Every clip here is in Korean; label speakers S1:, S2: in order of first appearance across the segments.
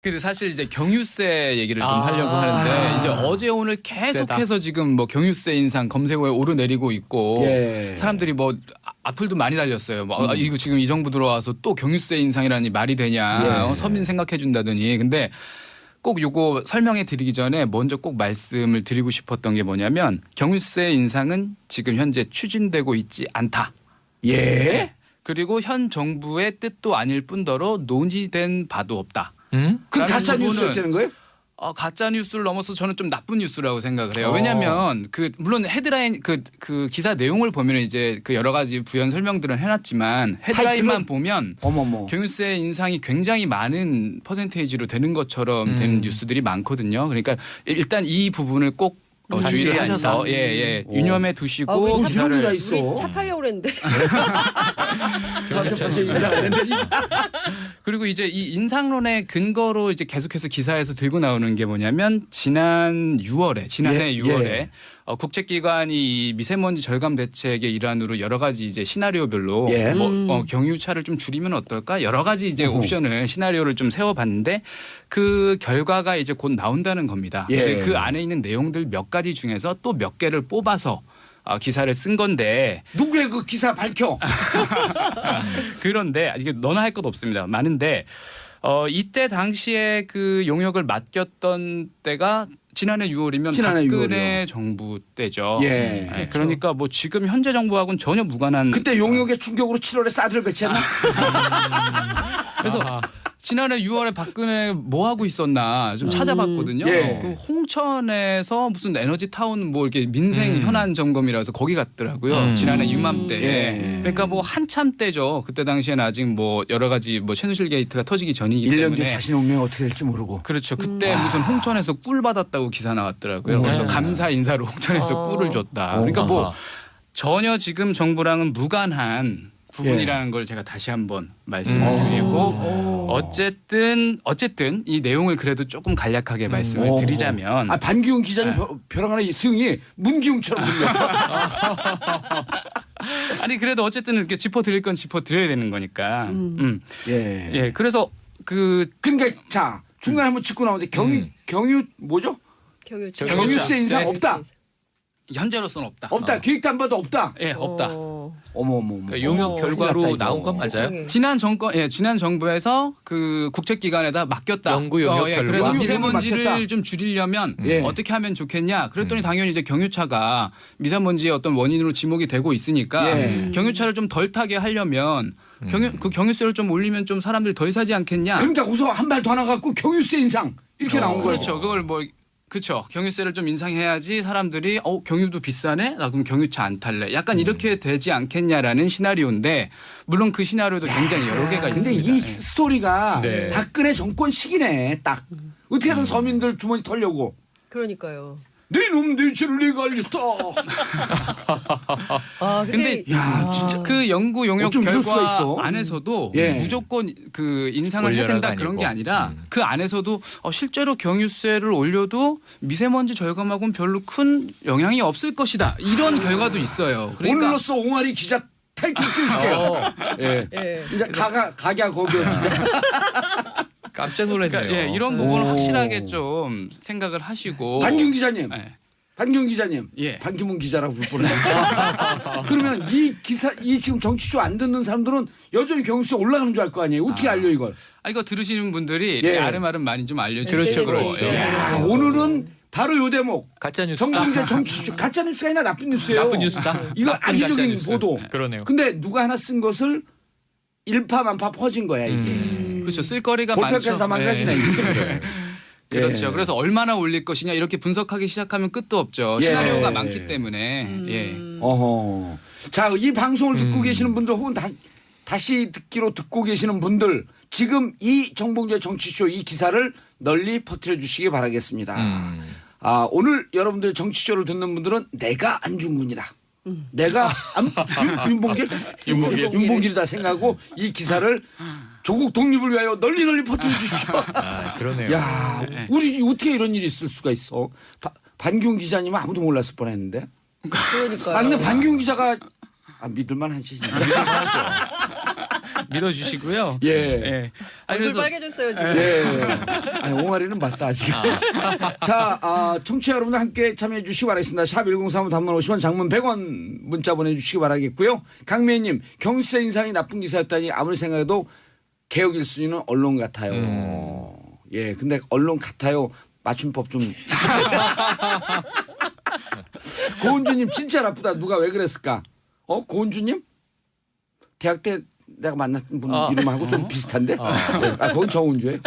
S1: 근데 사실 이제 경유세 얘기를 좀 하려고
S2: 아.
S1: 하는데 이제 어제 오늘 계속해서 지금 뭐 경유세 인상 검색어에 오르내리고 있고
S2: 예.
S1: 사람들이 뭐 악플도 많이 달렸어요. 뭐 이거 지금 이 정부 들어와서 또 경유세 인상이라니 말이 되냐.
S2: 예.
S1: 서민 생각해 준다더니. 근데 꼭 요거 설명해 드리기 전에 먼저 꼭 말씀을 드리고 싶었던 게 뭐냐면 경유세 인상은 지금 현재 추진되고 있지 않다.
S2: 예.
S1: 그리고 현 정부의 뜻도 아닐 뿐더러 논의된 바도 없다.
S2: 그럼
S1: 라는
S2: 가짜
S1: 부분은
S2: 뉴스였다는 거예요?
S1: 가짜 뉴스를 넘어서 저는 좀 나쁜 뉴스라고 생각을 해요.
S2: 어.
S1: 왜냐하면 물론 헤드라인 그 기사 내용을 보면 이제 그 여러 가지 부연 설명들은 해놨지만 헤드라인만 보면
S2: 어머머.
S1: 경유세 인상이 굉장히 많은 퍼센테이지로 되는 것처럼 되는 뉴스들이 많거든요. 그러니까 일단 이 부분을 꼭 주의를 하셔서 유념해 두시고
S2: 우리
S1: 기사를
S2: 기사를 다 있어.
S3: 우리 차 팔려고 그랬는데.
S2: 저한테 벌써 인사가 됐는데.
S1: 그리고 이제 이 인상론의 근거로 이제 계속해서 기사에서 들고 나오는 게 뭐냐면 지난해 6월에 국책기관이 이 미세먼지 절감 대책의 일환으로 여러 가지 이제 시나리오별로
S2: 예.
S1: 경유차를 좀 줄이면 어떨까 여러 가지 이제 옵션을 시나리오를 좀 세워봤는데 그 결과가 이제 곧 나온다는 겁니다.
S2: 예.
S1: 근데 그 안에 있는 내용들 몇 가지 중에서 또 몇 개를 뽑아서 기사를 쓴 건데
S2: 누구의 그 기사 밝혀?
S1: 그런데 이게 너나 할 것 없습니다. 많은데 이때 당시에 그 용역을 맡겼던 때가 지난해 6월이면
S2: 지난해
S1: 박근혜 정부 때죠.
S2: 예.
S1: 네, 그러니까 뭐 지금 현재 정부하고는 전혀 무관한.
S2: 그때 용역의 충격으로 7월에 사드를 배치했나?
S1: 그래서 지난해 6월에 박근혜 뭐 하고 있었나 좀 찾아봤거든요.
S2: 예.
S1: 그 홍천에서 무슨 에너지 타운 뭐 이렇게 민생 현안 점검이라서 거기 갔더라고요. 지난해 이맘때.
S2: 예.
S1: 그러니까 뭐 한참 때죠. 그때 당시에는 아직 뭐 여러 가지 뭐 최순실 게이트가 터지기 전이기
S2: 1년
S1: 때문에.
S2: 뒤에 자신의 운명이 어떻게 될지 모르고.
S1: 그렇죠. 그때 무슨 홍천에서 꿀 받았다고 기사 나왔더라고요. 그래서 감사 인사로 홍천에서 꿀을 줬다. 그러니까 뭐 전혀 지금 정부랑은 무관한 부분이라는 걸 제가 다시 한번 말씀을 드리고 어쨌든 이 내용을 그래도 조금 간략하게 말씀을 드리자면
S2: 반기웅 기자님 벼랑하는 승이 문기웅처럼 들려.
S1: 아니 그래도 어쨌든 이렇게 짚어드릴 건 짚어드려야 되는 거니까. 예. 그래서
S2: 그러니까 자 중간에 한번 짚고 나오는데 경유 뭐죠? 경유세 인상 없다.
S1: 현재로서는 없다.
S2: 없다. 기획단봐도 없다.
S1: 예, 없다.
S2: 어머머머.
S4: 그러니까 용역 결과로 나온 건 맞아요?
S1: 지난 정부에서 그 국책기관에다 맡겼다.
S4: 연구 용역 결과.
S1: 그래서 미세먼지를
S2: 맡겼다.
S1: 좀 줄이려면
S2: 예.
S1: 어떻게 하면 좋겠냐. 그랬더니 당연히 이제 경유차가 미세먼지의 어떤 원인으로 지목이 되고 있으니까 경유차를 좀 덜 타게 하려면 그 경유세를 좀 올리면 좀 사람들이 덜 사지 않겠냐.
S2: 그러니까 우선 한 발 더 나가고 경유세 인상 이렇게 나온 거예요.
S1: 그렇죠. 그걸 뭐 그렇죠. 경유세를 좀 인상해야지 사람들이 경유도 비싸네? 나 그럼 경유차 안 탈래. 약간 이렇게 되지 않겠냐라는 시나리오인데 물론 그 시나리오도 굉장히 여러 개가
S2: 근데
S1: 있습니다.
S2: 이 스토리가
S1: 네.
S2: 박근혜 정권 시기네 딱. 어떻게든 서민들 주머니 털려고.
S3: 그러니까요.
S2: 네 놈 내 죄를 내가 알렸다.
S1: 근데
S2: 야 진짜
S1: 그 연구 용역
S2: 어쩜 이럴 수가
S1: 결과
S2: 있어?
S1: 안에서도
S2: 예.
S1: 무조건 그 인상을 해야
S4: 올려라가
S1: 된다 그런 게
S4: 아니고.
S1: 아니라 그 안에서도 실제로 경유세를 올려도 미세먼지 절감하고는 별로 큰 영향이 없을 것이다. 이런 결과도 있어요. 그러니까
S2: 오늘로써 옹알이 기자 타이틀 띄워줄게요. 예. 이제 가갸 거기요 기자.
S4: 깜짝 놀랐네요.
S1: 그러니까 이런 부분을 확실하게 좀 생각을 하시고
S2: 반기웅 기자님.
S1: 예.
S2: 반기웅 기자님.
S1: 예.
S2: 반기문 기자라고 부를 뻔했어요. 그러면 이 지금 정치쇼 안 듣는 사람들은 여전히 경유세 올라가는 줄 알 거 아니에요. 어떻게 알려 이걸?
S1: 이거 들으시는 분들이
S2: 예.
S1: 아름아름 많이 좀 알려주시죠.
S3: 그렇죠.
S2: 야, 오늘은 바로 요 대목.
S4: 가짜 뉴스.
S2: 정봉재 정치쇼 가짜 뉴스가 아니라 나쁜 뉴스예요.
S4: 나쁜 뉴스다.
S2: 이거
S4: 나쁜
S2: 악의적인
S4: 가짜 뉴스.
S2: 보도.
S4: 그러네요.
S2: 근데 누가 하나 쓴 것을 일파만파 퍼진 거야 이게.
S1: 그렇죠. 쓸거리가
S2: 볼펜에서
S1: 많죠.
S2: 망가지네.
S1: 예. 그렇죠.
S2: 예.
S1: 그래서 얼마나 올릴 것이냐 이렇게 분석하기 시작하면 끝도 없죠.
S2: 예.
S1: 시나리오가 많기 때문에. 예.
S2: 어허. 자, 이 방송을 듣고 계시는 분들 혹은 다시 듣기로 듣고 계시는 분들 지금 이 정봉재 정치쇼 이 기사를 널리 퍼뜨려 주시기 바라겠습니다. 오늘 여러분들 정치쇼를 듣는 분들은 내가 안중근이다. 내가 윤봉길이다 생각하고 이 기사를 조국 독립을 위하여 널리 퍼뜨려 주십시오.
S4: 그러네요.
S2: 야, 우리 어떻게 이런 일이 있을 수가 있어? 반기웅 기자님은 아무도 몰랐을 뻔했는데.
S3: 그러니까요.
S2: 근데 반기웅 기자가 믿을만 하시죠.
S4: 믿어주시고요.
S2: 예.
S4: 예.
S1: 아니,
S3: 얼굴
S1: 그래서
S3: 빨개졌어요 지금.
S2: 예. 아니, 옹알이는 맞다 아직. 자, 청취자 여러분들 함께 참여해 주시기 바라겠습니다. 샵 1035 단문 50원 장문 100원 문자 보내주시기 바라겠고요. 강미애님 경유세 인상이 나쁜 기사였다니 아무리 생각해도 개혁 1순위는 언론 같아요. 예, 근데 언론 같아요. 맞춤법 좀. 고은주님 진짜 나쁘다. 누가 왜 그랬을까? 고은주님? 대학 때 내가 만났던 분 이름하고 좀 비슷한데? 네. 거긴 정은주예요.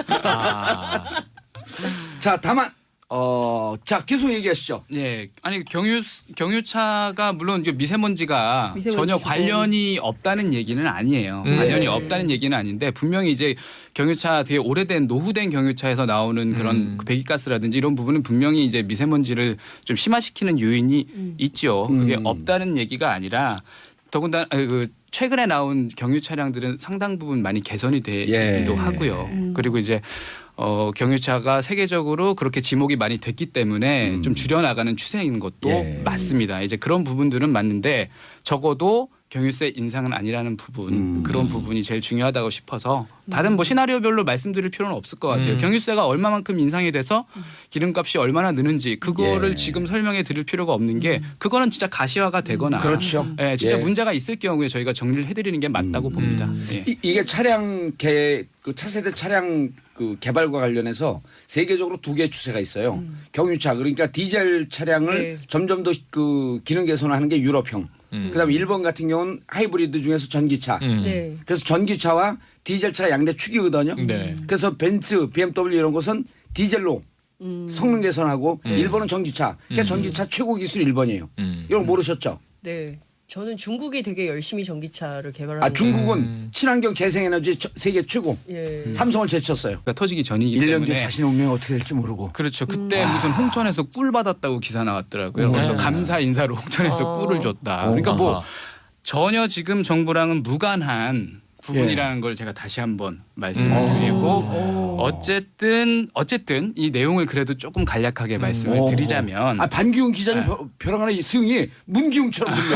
S2: 자, 다만 자 계속 얘기하시죠.
S1: 예, 아니 경유차가 물론 이제 미세먼지가
S3: 미세먼지
S1: 전혀
S3: 주고.
S1: 관련이 없다는 얘기는 아니에요. 관련이 없다는 얘기는 아닌데 분명히 이제 경유차 되게 오래된 노후된 경유차에서 나오는 그런 그 배기가스라든지 이런 부분은 분명히 이제 미세먼지를 좀 심화시키는 요인이 있죠. 그게 없다는 얘기가 아니라 더군다나 그 최근에 나온 경유 차량들은 상당 부분 많이 개선이 되기도 하고요. 그리고 이제 경유차가 세계적으로 그렇게 지목이 많이 됐기 때문에 좀 줄여나가는 추세인 것도 맞습니다. 이제 그런 부분들은 맞는데 적어도 경유세 인상은 아니라는 부분 그런 부분이 제일 중요하다고 싶어서 다른 뭐 시나리오별로 말씀드릴 필요는 없을 것 같아요. 경유세가 얼마만큼 인상이 돼서 기름값이 얼마나 느는지 그거를 지금 설명해 드릴 필요가 없는 게 그거는 진짜 가시화가 되거나
S2: 그렇죠.
S1: 예, 진짜 문제가 있을 경우에 저희가 정리를 해드리는 게 맞다고 봅니다. 예.
S2: 이게 그 차세대 차량 그 개발과 관련해서 세계적으로 두 개의 추세가 있어요. 경유차 그러니까 디젤 차량을 점점 더 그 기능 개선하는 게 유럽형. 그다음에 일본 같은 경우는 하이브리드 중에서 전기차.
S3: 네.
S2: 그래서 전기차와 디젤차 양대 축이거든요.
S4: 네.
S2: 그래서 벤츠, BMW 이런 곳은 디젤로 성능 개선하고 일본은 전기차. 그러니까 전기차 최고 기술 일본이에요. 이런 거 모르셨죠?
S3: 네. 저는 중국이 되게 열심히 전기차를 개발하는.
S2: 중국은 친환경 재생에너지 세계 최고.
S3: 예.
S2: 삼성을 제쳤어요.
S1: 그러니까 터지기 전이기
S2: 1년
S1: 때문에
S2: 뒤에 자신의 운명이 어떻게 될지 모르고.
S1: 그렇죠. 그때 무슨 홍천에서 꿀 받았다고 기사 나왔더라고요. 그래서 감사 인사로 홍천에서 꿀을 줬다. 그러니까 뭐 전혀 지금 정부랑은 무관한 부분이라는 걸 제가 다시 한번 말씀을 드리고 어쨌든 이 내용을 그래도 조금 간략하게 말씀을 드리자면
S2: 반기웅 기자님 벼랑 하나 승이 문기웅처럼 들려.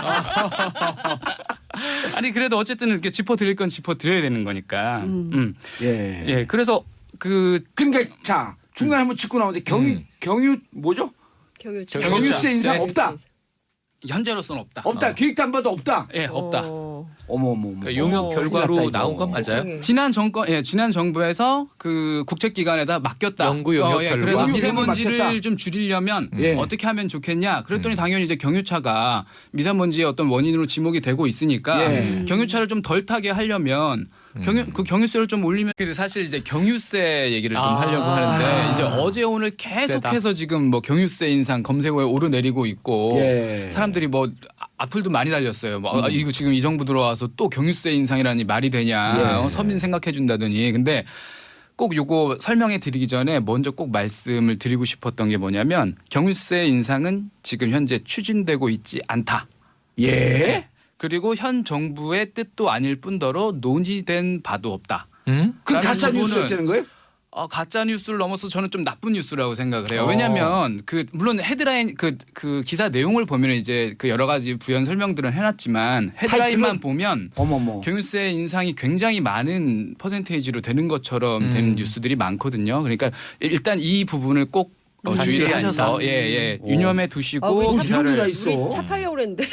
S1: 아니 그래도 어쨌든 이렇게 짚어 드릴 건 짚어 드려야 되는 거니까. 예. 그래서
S2: 그러니까 자 중간에 한번 짚고 나오는데 경유 뭐죠? 경유세 인상 없다.
S1: 현재로서는 없다.
S2: 없다. 기획도 안 봐도 없다.
S1: 예, 없다.
S2: 어머머머.
S4: 그러니까 용역 결과로 나온 건 맞아요?
S1: 지난 정부에서 그 국책기관에다 맡겼다.
S4: 연구 용역 결과.
S1: 그래서 미세먼지를
S2: 맡겼다.
S1: 좀 줄이려면 어떻게 하면 좋겠냐. 그랬더니 당연히 이제 경유차가 미세먼지의 어떤 원인으로 지목이 되고 있으니까 경유차를 좀 덜 타게 하려면 경유세를 좀 올리면 근데 사실 이제 경유세 얘기를 좀 하려고 하는데 이제 어제 오늘 계속해서 지금 뭐 경유세 인상 검색어에 오르내리고 있고 사람들이 뭐 악플도 많이 달렸어요. 뭐 이거 지금 이 정부 들어와서 또 경유세 인상이라니 말이 되냐. 서민 생각해 준다더니. 근데 꼭 요거 설명해 드리기 전에 먼저 꼭 말씀을 드리고 싶었던 게 뭐냐면 경유세 인상은 지금 현재 추진되고 있지 않다.
S2: 예?
S1: 그리고 현 정부의 뜻도 아닐 뿐더러 논의된 바도 없다.
S2: 그럼 가짜 뉴스였다는 거예요?
S1: 가짜 뉴스를 넘어서 저는 좀 나쁜 뉴스라고 생각을 해요. 왜냐하면 물론 헤드라인 그 기사 내용을 보면 이제 그 여러 가지 부연 설명들은 해놨지만 헤드라인만 보면 경유세 인상이 굉장히 많은 퍼센테이지로 되는 것처럼 되는 뉴스들이 많거든요. 그러니까 일단 이 부분을 꼭 주의를 하셔서 유념해 두시고
S3: 우리
S2: 이런 게 다 있어.
S3: 우리 차 팔려고 그랬는데.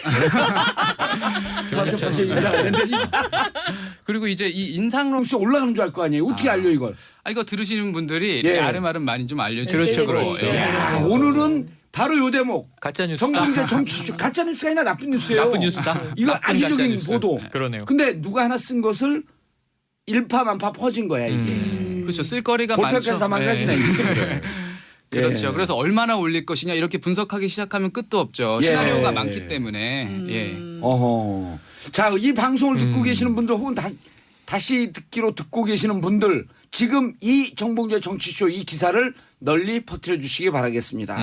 S2: 저한테 벌써 인상 안 됐는데
S1: 그리고 이제 이 인상론
S2: 뉴스 올라가는 줄 알 거 아니에요. 어떻게 알려 이걸?
S1: 이거 들으시는 분들이 아름아름 많이 좀
S3: SNS에
S1: 알려주시고
S2: 야, 오늘은 바로 요 대목.
S4: 가짜 뉴스.
S2: 정봉재 정치쇼 가짜 뉴스가 아니라 나쁜 뉴스예요.
S4: 나쁜 뉴스다.
S2: 이거
S4: 나쁜
S2: 악의적인
S4: 가짜 뉴스.
S2: 보도.
S4: 그러네요.
S2: 근데 누가 하나 쓴 것을 일파만파 퍼진 거야 이게.
S1: 그렇죠. 쓸거리가
S2: 골프까지
S1: 많죠.
S2: 다 망가지네. 이게.
S1: 그렇죠. 그래서 얼마나 올릴 것이냐 이렇게 분석하기 시작하면 끝도 없죠. 시나리오가 많기 때문에.
S2: 어허. 자, 이 방송을 듣고 계시는 분들 혹은 다시 듣기로 듣고 계시는 분들 지금 이 정봉재 정치쇼 이 기사를 널리 퍼뜨려 주시기 바라겠습니다.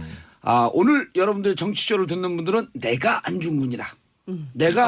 S2: 오늘 여러분들 정치쇼를 듣는 분들은 내가 안중근이다. 내가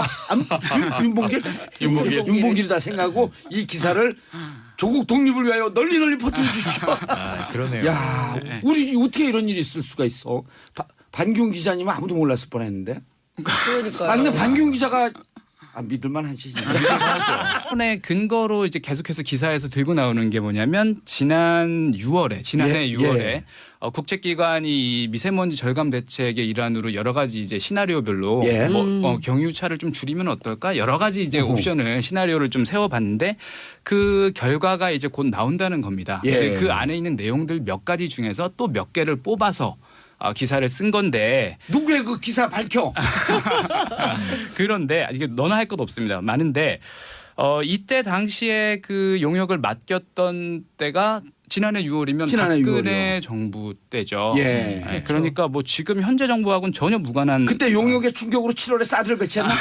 S2: 윤봉길이다 생각하고 이 기사를 조국 독립을 위하여 널리 퍼뜨려 주십시오.
S4: 그러네요.
S2: 야, 우리 어떻게 이런 일이 있을 수가 있어? 반기웅 기자님은 아무도 몰랐을 뻔했는데.
S3: 그러니까요.
S2: 근데 반기웅 기자가 믿을만 하시지.
S1: 의 근거로 이제 계속해서 기사에서 들고 나오는 게 뭐냐면 지난해 6월에 국제기관이 이 미세먼지 절감 대책의 일환으로 여러 가지 이제 시나리오별로
S2: 예.
S1: 경유차를 좀 줄이면 어떨까 여러 가지 이제 옵션을 시나리오를 좀 세워봤는데 그 결과가 이제 곧 나온다는 겁니다.
S2: 예.
S1: 그 안에 있는 내용들 몇 가지 중에서 또 몇 개를 뽑아서 기사를 쓴 건데
S2: 누구의 그 기사 밝혀?
S1: 그런데 이게 너나 할 것 없습니다. 많은데 이때 당시에 그 용역을 맡겼던 때가 지난해 6월이면
S2: 지난해
S1: 박근혜 정부 때죠.
S2: 예.
S1: 네, 그러니까 뭐 지금 현재 정부하고는 전혀 무관한.
S2: 그때 용역의 충격으로 7월에 사드를 배치했나?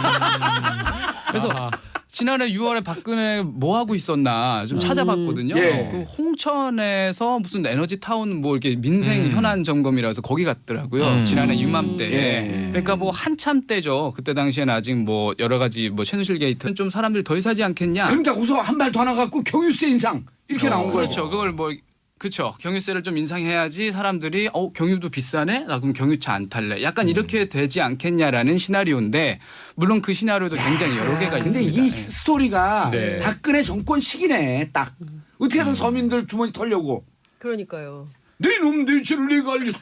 S1: 그래서 지난해 6월에 박근혜 뭐 하고 있었나 좀 찾아봤거든요.
S2: 예.
S1: 그 홍천에서 무슨 에너지 타운 뭐 이렇게 민생 현안 점검이라서 거기 갔더라고요. 지난해 이맘때.
S2: 예.
S1: 그러니까 뭐 한참 때죠. 그때 당시에는 아직 뭐 여러 가지 뭐 최순실 게이트는 좀 사람들이 더 사지 않겠냐.
S2: 그러니까 우선 한 발 더 나가고 경유세 인상 이렇게 나온 거예요.
S1: 그렇죠. 그걸 뭐 그렇죠. 경유세를 좀 인상해야지 사람들이 경유도 비싸네. 나 그럼 경유차 안 탈래. 약간 이렇게 되지 않겠냐라는 시나리오인데 물론 그 시나리오도 굉장히 여러 개가
S2: 근데
S1: 있습니다.
S2: 이 스토리가
S1: 네.
S2: 박근혜 정권 시기네 딱. 어떻게든 서민들 주머니 털려고.
S3: 그러니까요.
S2: 네 놈 내 죄를 내가 알렸다.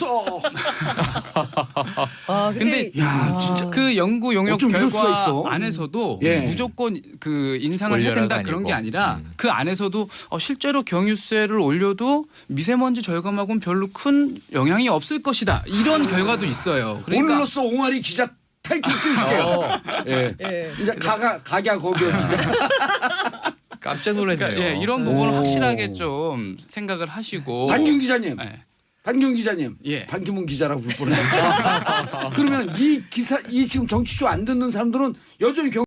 S1: 근데
S2: 야 진짜
S1: 그 연구 용역
S2: 어쩜 이럴 수가
S1: 결과
S2: 있어?
S1: 안에서도
S2: 예.
S1: 무조건 그 인상을 해야
S4: 올려라가
S1: 된다 그런 게
S4: 아니고.
S1: 아니라 그 안에서도 실제로 경유세를 올려도 미세먼지 절감하고는 별로 큰 영향이 없을 것이다. 이런 결과도 있어요. 그러니까
S2: 오늘로써 옹알이 기자 타이틀 띄워줄게요. 예.
S3: 예.
S2: 이제 각야 거기요 기자.
S4: 깜짝 놀랐네요.
S1: 그러니까 이런 부분을
S2: 오.
S1: 확실하게 좀 생각을 하시고
S2: 반경 기자님.
S1: 네.
S2: 반경 기자님.
S1: 예.
S2: 반기문 기자라고 부를 뻔했어요. 그러면 이 기사 이 지금 정치쇼 안 듣는 사람들은 여전히